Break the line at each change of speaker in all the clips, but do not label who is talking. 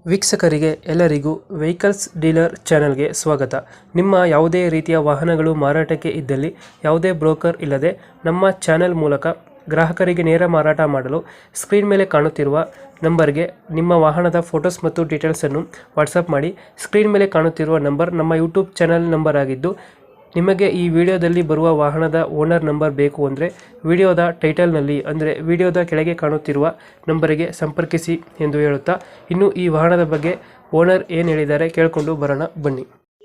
ವೀಕ್ಷಕರಿಗೆ ಎಲ್ಲರಿಗೂ vehicles dealer ಚಾನೆಲ್ಗೆ ಸ್ವಾಗತ. ನಿಮ್ಮ ಯಾವುದೇ ರೀತಿಯ ವಾಹನಗಳು ಮಾರಾಟಕ್ಕೆ ಇದ್ದಲ್ಲಿ ಯಾವುದೇ ಬ್ರೋಕರ್ ಇಲ್ಲದೆ ನಮ್ಮ ಚಾನೆಲ್ ಮೂಲಕ ಗ್ರಾಹಕರಿಗೆ ನೇರ ಮಾರಾಟ ಮಾಡಲು ಸ್ಕ್ರೀನ್ ಮೇಲೆ ಕಾಣುತ್ತಿರುವ ನಂಬರ್ಗೆ ನಿಮ್ಮ ವಾಹನದ ಫೋಟೋಸ್ ಮತ್ತು ಡೀಟೇಲ್ಸನ್ನು ವಾಟ್ಸಪ್ ಮಾಡಿ. ಸ್ಕ್ರೀನ್ ಮೇಲೆ ಕಾಣುತ್ತಿರುವ ನಂಬರ್ ನಮ್ಮ ಯೂಟ್ಯೂಬ್ ಚಾನೆಲ್ ನಂಬರ್ ಆಗಿದ್ದು, ನಿಮಗೆ ಈ ವಿಡಿಯೋದಲ್ಲಿ ಬರುವ ವಾಹನದ ಓನರ್ ನಂಬರ್ ಬೇಕು ಅಂದರೆ ವಿಡಿಯೋದ ಟೈಟಲ್ನಲ್ಲಿ ಅಂದರೆ ವಿಡಿಯೋದ ಕೆಳಗೆ ಕಾಣುತ್ತಿರುವ ನಂಬರಿಗೆ ಸಂಪರ್ಕಿಸಿ ಎಂದು ಹೇಳುತ್ತಾ, ಇನ್ನು ಈ ವಾಹನದ ಬಗ್ಗೆ ಓನರ್ ಏನು ಹೇಳಿದ್ದಾರೆ ಕೇಳಿಕೊಂಡು ಬರೋಣ ಬನ್ನಿ.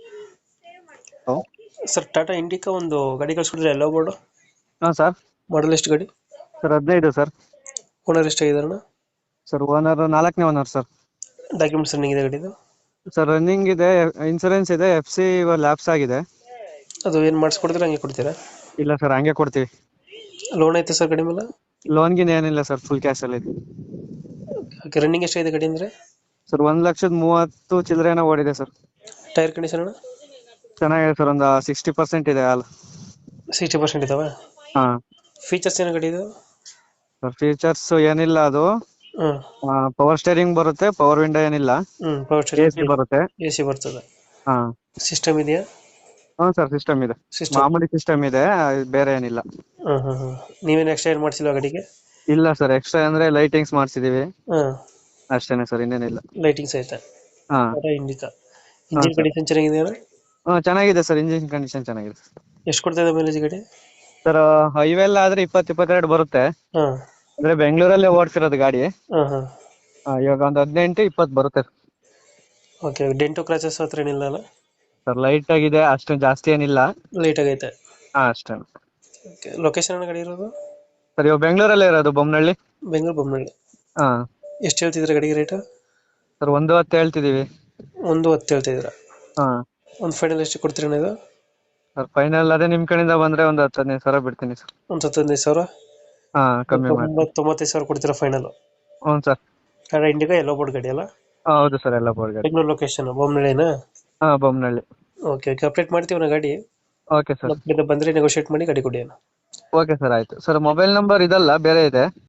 ಹಲೋ
ಸರ್, ಟಾಟಾ ಇಂಡಿಕಾ ಒಂದು ಗಾಡಿ ಕಳಿಸ್ಕೊಡಿದ್ರೆ ಎಲ್ಲ ಬೋರ್ಡು
ಹಾಂ ಸರ್.
ಮಾಡಲ್ ಎಷ್ಟು ಗಾಡಿ?
Sir 15 sir.
ಓನರ್ ಎಷ್ಟಾಗಿದಾರಣ?
ಸರ್ ಓನರ್ 4ನೇ ಓನರ್ ಸರ್.
ಡಾಕ್ಯುಮೆಂಟ್ಸ್ ರನ್ನಿಂಗ್ ಇದೆ ಗಾಡಿದು?
ಸರ್ ರನ್ನಿಂಗ್ ಇದೆ, ಇನ್ಸೂರೆನ್ಸ್ ಇದೆ, FC ಲ್ಯಾಪ್ಸ್ ಆಗಿದೆ.
ಅದು ಏನು ಮಾಡಿಸ್ಕೊಡ್ತೀರಾ ಹಂಗೆ ಕೊಡ್ತೀರಾ?
ಇಲ್ಲ ಸರ್, ಹಂಗೆ ಕೊಡ್ತೀವಿ.
ಲೋನ್ ಐತೆ ಸರ್ ಗಾಡಿ ಮೇಲೆ?
ಲೋನ್ಗಿನ ಏನಿಲ್ಲ ಸರ್, ಫುಲ್ ಕ್ಯಾಶಲ್ಲಿ ಇದೆ.
ಓಕೆ, ರನ್ನಿಂಗ್ ಎಷ್ಟಾಗಿದೆ ಗಾಡಿ ಅಂದರೆ?
ಸರ್ 1,30,000 ಚಿಲ್ಲರೆನ ಓಡಿದೆ ಸರ್.
ಟೈರ್ ಕಂಡೀಷನ್ ಅಣ್ಣ?
ಚೆನ್ನಾಗಿದೆ ಸರ್, ಒಂದು 60% ಇದೆ ಹಾಲು.
60% ಇದಾವೆ.
ಹಾಂ
ಫೀಚರ್ಸ್ ಏನು ಗಾಡಿ ಇದು?
ಸರ್ ಫೀಚರ್ಸ್ ಏನಿಲ್ಲ, ಅದು
ಹ್ಞೂ
ಪವರ್ ಸ್ಟೇರಿಂಗ್ ಬರುತ್ತೆ, ಪವರ್ ವಿಂಡೋ ಏನಿಲ್ಲ,
ಪವರ್
AC ಬರುತ್ತೆ.
AC ಬರ್ತದೆ.
ಹಾಂ
ಸಿಸ್ಟಮ್ ಇದೆಯಾ?
ಹ್ಞೂ ಸರ್, ಸಿಸ್ಟಮ್ ಇದೆ,
ಸಿಸ್ಟಮ್.
ಮಾಮೂಲಿ ಸಿಸ್ಟಮ್ ಇದೆ, ಬೇರೆ ಏನಿಲ್ಲ.
ನೀವೇನು ಎಕ್ಸ್ಟ್ರಾ ಏನು ಮಾಡಿಸಿಲ್ಲ ಗಾಡಿಗೆ?
ಇಲ್ಲ ಸರ್, ಎಕ್ಸ್ಟ್ರಾ ಅಂದ್ರೆ ಲೈಟಿಂಗ್ಸ್ ಮಾಡಿಸಿದೀವಿ
ಹಾಂ,
ಅಷ್ಟೇನೆ ಸರ್, ಇನ್ನೇನಿಲ್ಲ.
ಲೈಟಿಂಗ್ಸ್ ಐತೆ.
ಹಾಂ
ಟಾಟಾ ಇಂಡಿಕಾ
ಹಾಂ
ಇಂಜಿನ್
ಸರ್.
ಕಂಡೀಷನ್ ಚೆನ್ನಾಗಿದೆಯಾ?
ಚೆನ್ನಾಗಿದೆ ಸರ್, ಇಂಜಿನ್ ಕಂಡೀಷನ್ ಚೆನ್ನಾಗಿದೆ.
ಎಷ್ಟು ಕೊಡ್ತಾ ಇದೆ ಮೈಲೇಜ್ ಗಾಡಿ?
ಸರ್ ಹೈವೇ ಎಲ್ಲ ಆದ್ರೆ 20-22 ಬರುತ್ತೆ.
ಹಾಂ
ಅಂದ್ರೆ ಬೆಂಗಳೂರಲ್ಲೇ ಓಡ್ತಿರೋದು ಗಾಡಿ.
ಹಾಂ ಹಾಂ.
ಇವಾಗ ಒಂದು 18-20 ಬರುತ್ತೆ
ಓಕೆ, ಡೆಂಟು ಕ್ರಾಚಸ್ ಹತ್ರ ಏನಿಲ್ಲ ಅಲ್ಲ?
ಸರ್. ಲೈಟ್ ಆಗಿದೆ, ಅಷ್ಟು ಜಾಸ್ತಿ ಏನಿಲ್ಲ.
ಲೈಟ್ ಆಗೈತೆ.
ಹಾ ಅಷ್ಟೇ.
ಓಕೆ, ಲೊಕೇಶನ್ ಗಾಡಿ ಇರೋದು?
ಸರ್ ಇವಾಗ ಬೆಂಗಳೂರಲ್ಲೇ ಇರೋದು, ಬೊಮ್ಮನಹಳ್ಳಿ.
ಬೆಂಗಳೂರು ಬೊಮ್ಮನಹಳ್ಳಿ.
ಹಾ
ಎಷ್ಟು ಹೇಳ್ತಿದ್ರೆ ಗಾಡಿಗೆ ರೇಟು?
ಸರ್ 110 ಹೇಳ್ತಿದೀವಿ.
110 ಹೇಳ್ತಿದ್ದೀರಾ?
ಹಾ
ಒಂದು ಫೈನಲ್ ಎಷ್ಟು ಕೊಡ್ತೀರಾ ಇದು?
ಸರ್ ಫೈನಲ್ ಅದೇ ನಿಮ್ ಕಡೆಯಿಂದ ಬಂದ್ರೆ ಒಂದು 10-15 ಸಾವಿರ ಬಿಡ್ತೀನಿ ಸರ್.
ಒಂದು 15,000?
ಹಾ ಕಮ್ಮಿ ಮಾಡಿ.
95,000 ಕೊಡ್ತೀರಾ ಫೈನಲ್?
ಹ್ಞೂ sir.
Tata Indica yellow board ಗಾಡಿ ಅಲ್ಲ?
ಹೌದು ಸರ್, ಎಲ್ಲ ಬೋರ್ಡ್ ಗಾಡಿ.
ಬೆಂಗಳೂರು ಲೊಕೇಶನ್ ಬೊಮ್ಮನಹಳ್ಳಿನಾ?
ಹಾ ಬೊಮ್ಮನಹಳ್ಳಿ.
ಓಕೆ ಓಕೆ, ಅಪ್ಡೇಟ್ ಮಾಡ್ತೀವಿ ನಾ ಗಾಡಿ.
Okay sir.
ನಮ್ಮ ಕಡೆಯಿಂದ ಬಂದರೆ ನೆಗೋಷಿಯೇಟ್ ಮಾಡಿ ಗಾಡಿ ಕೊಡಿ.
ಓಕೆ ಸರ್, ಆಯ್ತು ಸರ್. ಮೊಬೈಲ್ ನಂಬರ್ ಇದಲ್ಲ, ಬೇರೆ ಇದೆ.